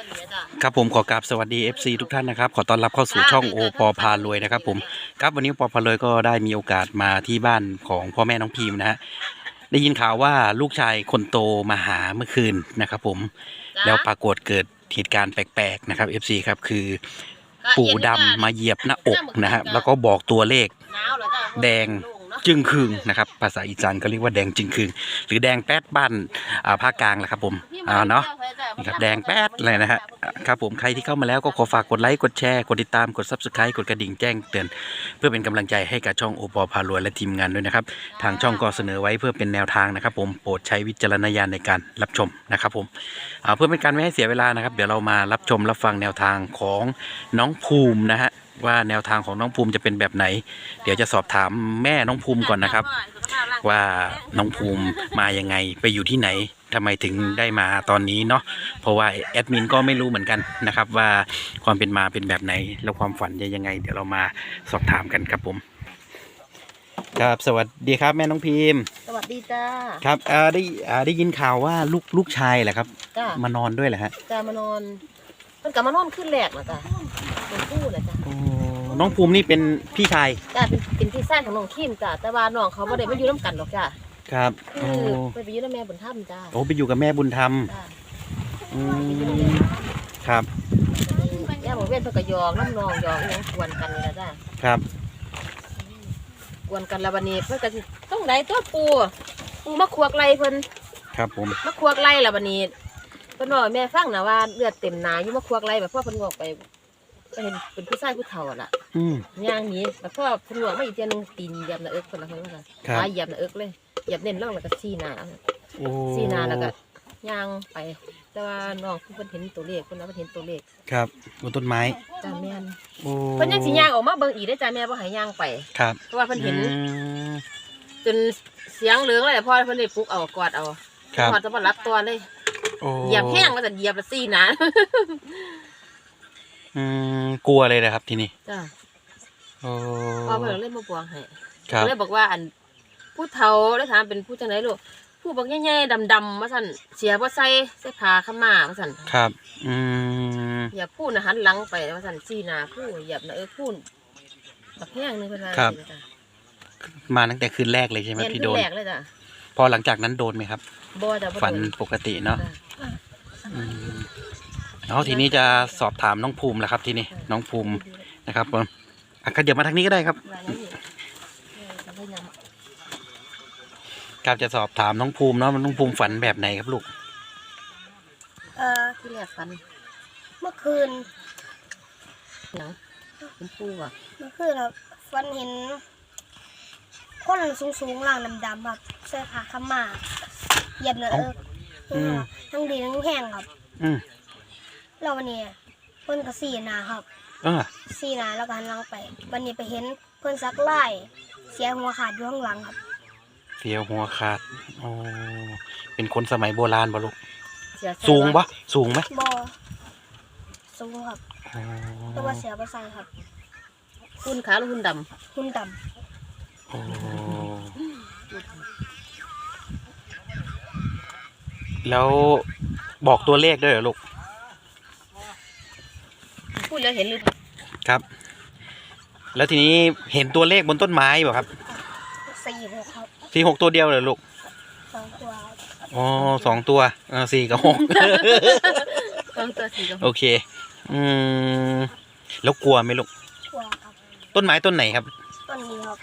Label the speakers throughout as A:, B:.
A: ครับผมขอกราบสวัสดี FC ทุกท่านนะครับขอต้อนรับเข้าสู่ช่องโอปอพารวยนะครับผมครับวันนี้โอปอพารวยก็ได้มีโอกาสมาที่บ้านของพ่อแม่น้องพิมนะฮะได้ยินข่าวว่าลูกชายคนโตมาหาเมื่อคืนนะครับผมแล้วปรากฏเกิดเหตุการณ์แปลกๆนะครับ FC ครับคือปู่ดำมาเหยียบหน้าอกนะฮะแล้วก็บอกตัวเลขแดงจึงคืงนะครับภาษาอีสานก็เรียกว่าแดงจึงคืงหรือแดงแป๊ดบ้านภาคกลางแหละครับผมเนาะนี่ครับแดงแป๊ดเลยนะฮะครับผมใครที่เข้ามาแล้วก็ขอฝากกดไลค์กดแชร์กดติดตามกด Subscribe กดกระดิ่งแจ้งเตือนเพื่อเป็นกำลังใจให้กับช่องโอปอพารวยและทีมงานด้วยนะครับทางช่องก็เสนอไว้เพื่อเป็นแนวทางนะครับผมโปรดใช้วิจารณญาณในการรับชมนะครับผมเพื่อเป็นการไม่ให้เสียเวลานะครับเดี๋ยวเรามารับชมรับฟังแนวทางของน้องภูมินะฮะว่าแนวทางของน้องภูมิจะเป็นแบบไหนเดี๋ยวจะสอบถามแม่น้องภูมิก่อนนะครับว่าน้องภูมิมายังไงไปอยู่ที่ไหนทำไมถึงได้มาตอนนี้เนาะเพราะว่าแอดมินก็ไม่รู้เหมือนกันนะครับว่าความเป็นมาเป็นแบบไหนแล้วความฝันจะยังไงเดี๋ยวเรามาสอบถามกันครับผมครับสวัสดีครับแม่น้องพิม
B: สวัสดีจ้า
A: ครับได้ยินข่าวว่าลูกชายแหละครับมานอนด้วยเหรอฮะ
B: จ้ามานอนมันกลับมานอนขึ้นแรกนะจ้าเป็นคู่นะจ้า
A: น้องภูมินี่เป็นพี่ชาย
B: จ้าเป็นพี่ชายของน้องคิมจ้าแต่ว่าน้องเขาไม่ได้มาอยู่น้ำกันหรอกจ้า
A: ครับ
B: คือไปอยู่กับแม่บุญธรรมจ้า
A: โอ้ไปอยู่กับแม่บุญธรรมครับ
B: ย่าบอกเว้นเพื่อกยองน้ำนองยองยังกวนกันนี่นะจ้า
A: ครับ
B: กวนกันแล้ววันนี้เพื่อนก็ต้องได้ตัวปูมาควักไล่เพิ่น
A: ครับผม
B: มาควักไล่แล้ววันนี้เพิ่นบอกแม่ฟังนะว่าเลือดเต็มหนาอยู่มาควักไล่แบบพ่อเพิ่นบอกไปเห็นเป็นผู้ชายผู้เฒ่าล่ะย่างนี้แบบพ่อเพิ่นบอกไม่อีกเทียนึงตีนเหยียบหน้าเอิกคนละคนละขาเหยียบหน้าเอิกเลยเหยียบเน้นล่องแล้วก็ซี่หน้าแล้วก็ย่างไปแต่ว่าน้องเพิ่นเห็นตัวเลขเพิ่นเห็นตัวเลข
A: ครับบนต้นไม้
B: จ้าแม่นเพิ่นยังสิย่างออกมาเบิ่งอีกได้จ้าแม่บ่ให้ย่างไป
A: ครับ
B: เพราะว่าเพิ่นเห็นจนเสียงเหลืองเลยพ่อเพิ่นได้ปลุกเอากอดเอาพอจะมารับตัวเลยเหยียบแห้งแล้วแต่เหยียบซี่หน้
A: ากลัวเลยนะครับทีนี้
B: จ้าพ่อเพิ่นเล่นมาบวงให้เลยบอกว่าอันผู้เฒ่าได้ถามเป็นผู้จังไหนลูกผู้บอกแย่ๆดำๆมาสั่นเสียบ่ใส่ผ้าขม่ามาสั่น
A: ครับ
B: อย่าพูดนะหันหลังไปมาสั่นซี่หน้าผู้เหยียบนะพูดบักแห้งนึงเพิ่นว่า
A: ครับมาตั้งแต่คืนแรกเลยใช่ไหมที่โดน
B: แรกเลยจ้ะ
A: พอหลังจากนั้นโดนไหมครับ
B: บ่จ้ะ
A: ฝันปกติเนาะแล้วทีนี้จะสอบถามน้องภูมิแหละครับทีนี้น้องภูมินะครับผมเดี๋ยวมาทางนี้ก็ได้ครับครับจะสอบถามน้องภูมิเนาะน้องภูมิฝันแบบไหนครับลูก
B: ที่แรกฝันเมื่อคืนเป็นปูอ่ะ
C: เมื่อคืนครับฝันเห็นคนสูงๆร่างดำๆครับเสื้อผ้าขม่าเหยียบเนื้อทั้งดีทั้งแห้งครับแล้ววันนี้เพิ่นก็ซี่หน้าครับซี่หน้าแล้วก็หันหลังไปวันนี้ไปเห็นเพิ่นซักไล่เสียหัวขาดอยู่ข้างหลังครับ
A: เสียหัวขาดโอ้เป็นคนสมัยโบราณบ่ลูกสูงปะสูงไหม
C: บ่สูงครับแต่ว่าเสียบ่ใส่ครับ
B: หุ่นขาวหรือหุ่นด
C: ำหุ่นด
A: ำโอ้แล้วบอกตัวเลขด้วยเหรอลูก
B: พูดแล้วเห็นหรือ
A: ครับแล้วทีนี้เห็นตัวเลขบนต้นไม้เปล่าครับ
C: 46ครับ
A: 46ตัวเดียวเหรอลูก
C: 2ตัว
A: อ๋อ2ตัว4 กับ 6
B: 2 ตัว 4 กับ 6
A: โอเคแล้วกลัวไหมลูก
C: กลัวครับ
A: ต้นไม้ต้นไหนครับ
C: ต้นนี้ครับ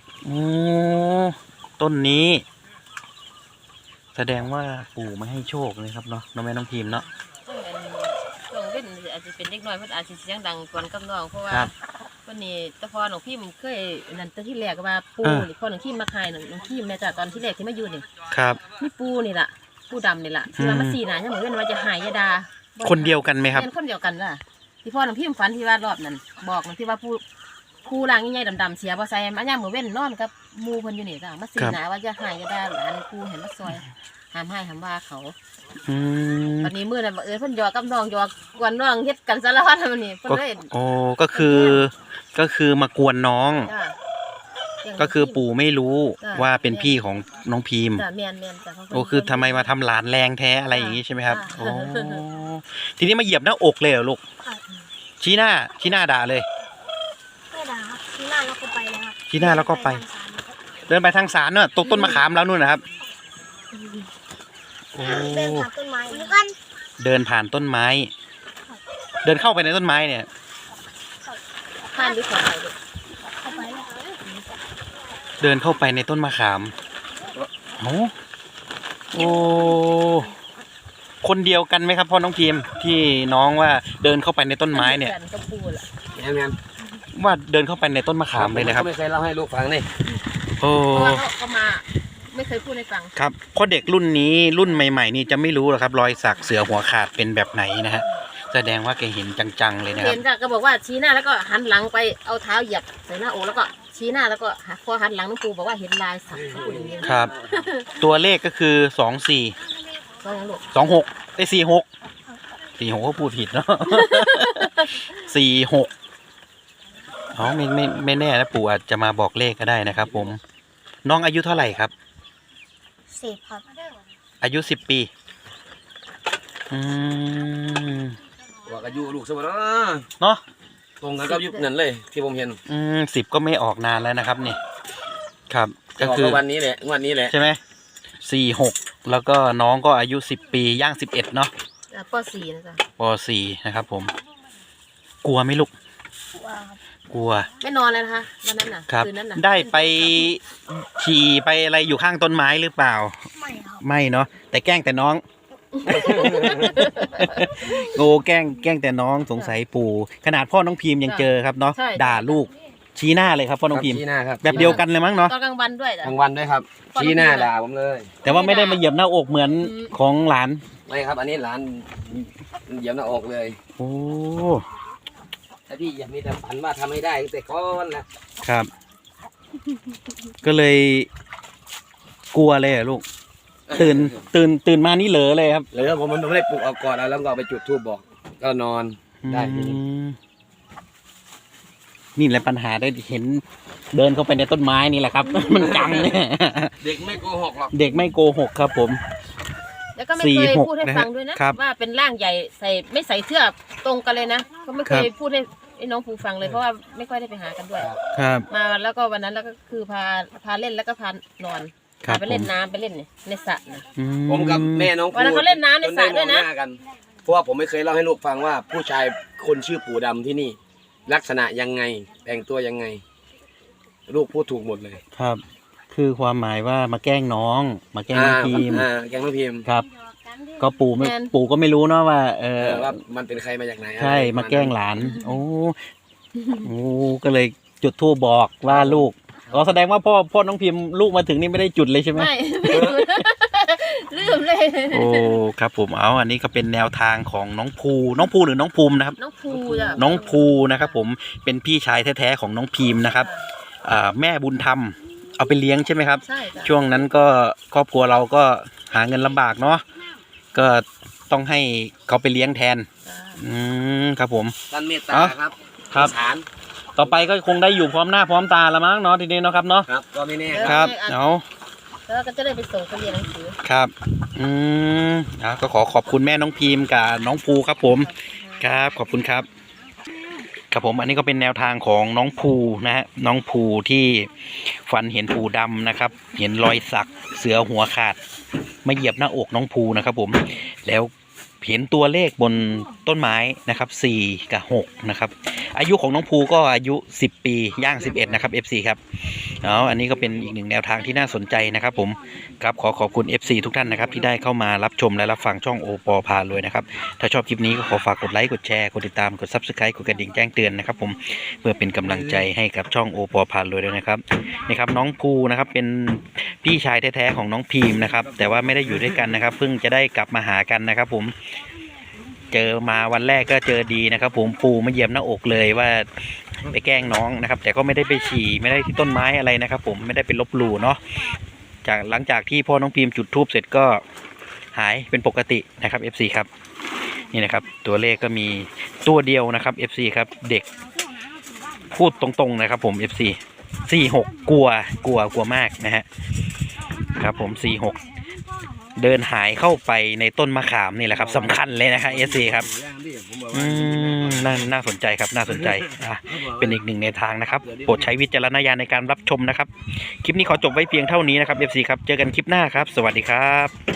A: ต้นนี้แสดงว่าปู่มาให้โชคเลยครับเนาะน้องแม่น้องพิมเนาะ
B: น้องเป็นอาจจะเป็นเด็กน้อยเพิ่นอาจจะเสียงดังกวนกับน้องเพราะว่าวันนี้แต่พอน้องพิมเคยนั่นตอนที่แรกว่าปูนี่พอน้องพิมมาขายน้องพิมแม่จ้ะตอนที่แรกที่มาอยู่นี่
A: ครับ
B: นี่ปูนี่ล่ะปูดำนี่ล่ะที่มาซี่หน้ายังเหมือนว่าจะหายยาดา
A: คนเดียวกันไหมครับ
B: เป็นคนเดียวกันจ้ะที่พ่อน้องพิมฝันที่ว่ารอบนั้นบอกน้องที่ว่าผู้ร่างใหญ่ๆดำๆเสียบ่ใส่มาย่ามมื้อเว้นนอนกับหมู่เพิ่นอยู่นี่จ้ะมาซี่หน้าว่าจะหายยาดาหลานปูเห็นมาซอยห้ามให้ห้ามว่าเขาวันนี้มื้อนั้นเพิ่นหยอกกับน้องหยอกกวนน้องเฮ็ดกันสารพัดมื้อนี้เพิ่นเลย
A: ก็คือมากวนน้องก็คือปู่ไม่รู้ว่าเป็นพี่ของน้องพิมพ์
B: จ้ะแม่นจ้ะเพราะ
A: โอ้คือทำไมมาทำหลานแรงแท้อะไรอย่างนี้ใช่ไหมครับ
B: ค่ะ
A: โอ้ทีนี้มาเหยียบหน้าอกเลยเหรอลูก
C: ครับ
A: ชี้หน้าด่าเลย
C: ไม่ด่าครับที่หน้าแล้วก็ไปเลยครับ
A: ชี้หน้าแล้วก็ไป เดินไปทางศาลเนอะตรงต้นมะขามแล้วนู่นนะครับโอ้
C: เดินผ่านต้นไม้กัน
A: เดินผ่านต้นไม้ เดินเข้าไปในต้นไม้เนี่ย
B: ข้ามหรือขอไปลูก
C: เข้าไปเลย
A: เดินเข้าไปในต้นมะขามโอ้คนเดียวกันไหมครับพ่อน้องพิมพ์ที่น้องว่าเดินเข้าไปในต้นไม้เนี่ย
B: กันก็พูดล่ะ
D: แม่น
A: ว่าเดินเข้าไปในต้นมะขามเลยนะครับ
D: ก็ไม่เคยเล่าให้ลูกฟังนี่
A: โอ้
B: เพราะว่าเขามาไม่เคยพูดให้ฟัง
A: ครับเพราะเด็กรุ่นนี้รุ่นใหม่ๆนี่จะไม่รู้หรอกครับรอยสักเสือหัวขาดเป็นแบบไหนนะฮะแสดงว่าแกเห็นจังๆเลยนะค
B: เห็
A: รับ
B: นจ้ะก็บอกว่าชี้หน้าแล้วก็หันหลังไปเอาเท้าเหยียบใส่หน้าอกแล้วก็ชี้หน้าแล้วก็พอหันหลังน้องปูบอกว่าเห็นลายสักเขาพูดอย่างนี้
A: ครับ ตัวเลขก็คือ
B: ก็ยังลูก
A: 26ได้46ก็พูดผิดเนาะ 46อ๋อไม่แน่นะปู่อาจจะมาบอกเลขก็ได้นะครับผมน้องอายุเท่าไหร่ครับ
C: 10 ครับ
A: อายุ10 ปีอืม
D: บอกอายุลูกสมบัติ
A: เนาะ
D: ตรงกันกับยุคนั้นเลยที่ผมเห็น
A: 10ก็ไม่ออกนานแล้วนะครับนี่ครับก็
D: บอก
A: คือ
D: ว่าวันนี้แหละวันนี้แหละ
A: ใช่ไหม46แล้วก็น้องก็อายุ10 ปีย่าง11เนาะ
B: ป .4 นะจ๊ะ
A: ป.4 นะครับผมกลัวไหมลูก
C: ว้าวครับ
A: กลัว
B: ไม่นอนเลยนะคะวันนั้นน่ะ
A: ครับ
B: คืนนั้นน่ะ
A: ได้ไปฉี่ไปอะไรอยู่ข้างต้นไม้หรือเปล่า
C: ไม่ครับ
A: ไม่เนาะแต่แกล้งแต่น้อง โง่แกล้งแต่น้องสงสัยปู่ขนาดพ่อน้องพิมพ์ยังเจอครับเนาะด่าลูกชี้หน้าเลยครับพ่อน้องพิมพ์
D: ชี้หน้าครับ
A: แบบเดียวกันเลยมั้งเนาะ
B: ตอนกลางวันด้วยจ้ะ
D: กลางวันด้วยครับชี้หน้าด่าผมเลย
A: แต่ว่าไม่ได้มาเหยียบหน้าอกเหมือนของหลาน
D: ไม่ครับ อันนี้หลานเหยียบหน้าอกเลย
A: โอ้
D: แต่พี่อยากมีแต่ฝันว่าทำให้ได้ตั้งแต่ก้อนนะครับ
A: ก็เลยกลัวเลยเหรอลูกตื่นมานี่เหลอเลยครับ
D: หรือผมไม่ได้ปลุกเอาก่อนแล้วก็เอาไปจุดธูปบอก ก็นอนได้ทีนี้
A: นี่แหละปัญหาได้เห็นเดินเข้าไปในต้นไม้นี่แหละครับ มันจังเนี่ย
D: เด็กไม่โกหกหรอก
A: เด็กไม่โกหกครับผม
B: แล้วก็ไม่เคย
A: 46
B: พูดให้ฟังด้วยนะครับ ว่าเป็นร่างใหญ่ไม่ใส่เสื้อตรงกันเลยนะก็ไม่เคยพูดให้น้องปูฟังเลยเพราะว่าไม่ค่อยได้ไปหากันด้วย
A: ครับ
B: มาแล้วก็วันนั้นแล้วก็คือพาเล่นแล้วก็พานอน
A: ครับ
B: พาไปเล่นน้ำไปเล่นในสระนะ
A: อื
D: ผมกับแม่น้อง
B: วันนั้นเขาเล่นน้ำในสระด้วยนะ
D: จไมองหากันเพราะว่าผมไม่เคยเล่าให้ลูกฟังว่าผู้ชายคนชื่อปู่ดำที่นี่ ลักษณะยังไงแต่งตัวยังไง ลูกพูดถูกหมดเลย
A: ครับ คือความหมายว่ามาแกล้งน้องมาแกล้งน้องพิมพ์
D: แกงน้องพิมพ์
A: ครับ ก็ปู่ก็ไม่รู้เนาะว่า
D: ว่ามันเป็นใครมาจากไหน
A: ใช่มาแกล้งหลาน โอ้ก็เลยจุดธูปบอกว่าลูกแสดงว่าพ่อน้องพิมพ์ลูกมาถึงนี่ไม่ได้จุดเลยใช่ไหม
B: ไม่ลืมเลย
A: โอ้ครับผมเอาอันนี้ก็เป็นแนวทางของน้องภูหรือน้องภูมินะครับ
B: น้องภูจ้ะ
A: น้องภูนะครับผมเป็นพี่ชายแท้ๆของน้องพิมพ์นะครับแม่บุญธรรมเอาไปเลี้ยงใช่ไหมครับ
B: ใช่จ้ะ
A: ช่วงนั้นก็ครอบครัวเราก็หาเงินลำบากเนาะก็ต้องให้เขาไปเลี้ยงแทน
B: จ้ะ
A: ครับผม
D: ท่านเมตตา
A: เอ้า
D: ครับ
A: ครับ
D: สาร
A: ต่อไปก็คงได้อยู่พร้อมหน้าพร้อมตาละมั้งเนาะทีนี้เนาะครับเนาะ
D: ครับก็ไม่แน่
A: ครับ เอา
B: แล้วก็จะได้ไปส่งเขาเรียนหนังสือ
A: ครับก็ขอบคุณแม่น้องพิมพ์กับน้องภูครับผมครับขอบคุณครับครับผมอันนี้ก็เป็นแนวทางของน้องภูนะฮะน้องภูที่ฝันเห็นภูดำนะครับ เห็นรอยสักเสือหัวขาดมาเหยียบหน้าอกน้องภูนะครับผมแล้วเห็นตัวเลขบนต้นไม้นะครับ4 กับ 6นะครับอายุของน้องภูก็อายุ10 ปีย่าง11นะครับ FC ครับอันนี้ก็เป็นอีกหนึ่งแนวทางที่น่าสนใจนะครับผมครับขอบคุณ FC ทุกท่านนะครับที่ได้เข้ามารับชมและรับฟังช่องโอปอพารวยนะครับถ้าชอบคลิปนี้ก็ขอฝากกดไลค์กดแชร์กดติดตามกด Subscribe กดกระดิ่งแจ้งเตือนนะครับผมเพื่อเป็นกำลังใจให้กับช่องโอปอพารวยด้วยนะครับนี่ครับน้องภูนะครับเป็นพี่ชายแท้ๆของน้องพีมนะครับแต่ว่าไม่ได้อยู่ด้วยกันนะครับเพิ่งจะได้กลับมาหากันนะครับผมเจอมาวันแรกก็เจอดีนะครับผมปูมาเหยียบหน้าอกเลยว่าไปแกล้งน้องนะครับแต่ก็ไม่ได้ไปฉี่ไม่ได้ที่ต้นไม้อะไรนะครับผมไม่ได้ไปลบหลู่เนาะหลังจากที่พ่อน้องพิมพ์จุดธูปเสร็จก็หายเป็นปกตินะครับ FC ครับนี่นะครับตัวเลขก็มีตัวเดียวนะครับ FC ครับเด็กพูดตรงๆนะครับผม FC 46กลัวมากนะฮะครับผม46เดินหายเข้าไปในต้นมะขามนี่แหละครับสำคัญเลยนะครับเอซีครับน่าสนใจครับน่าสนใจเป็นอีกหนึ่งในทางนะครับโปรดใช้วิจารณญาณในการรับชมนะครับคลิปนี้ขอจบไว้เพียงเท่านี้นะครับ FC ครับเจอกันคลิปหน้าครับสวัสดีครับ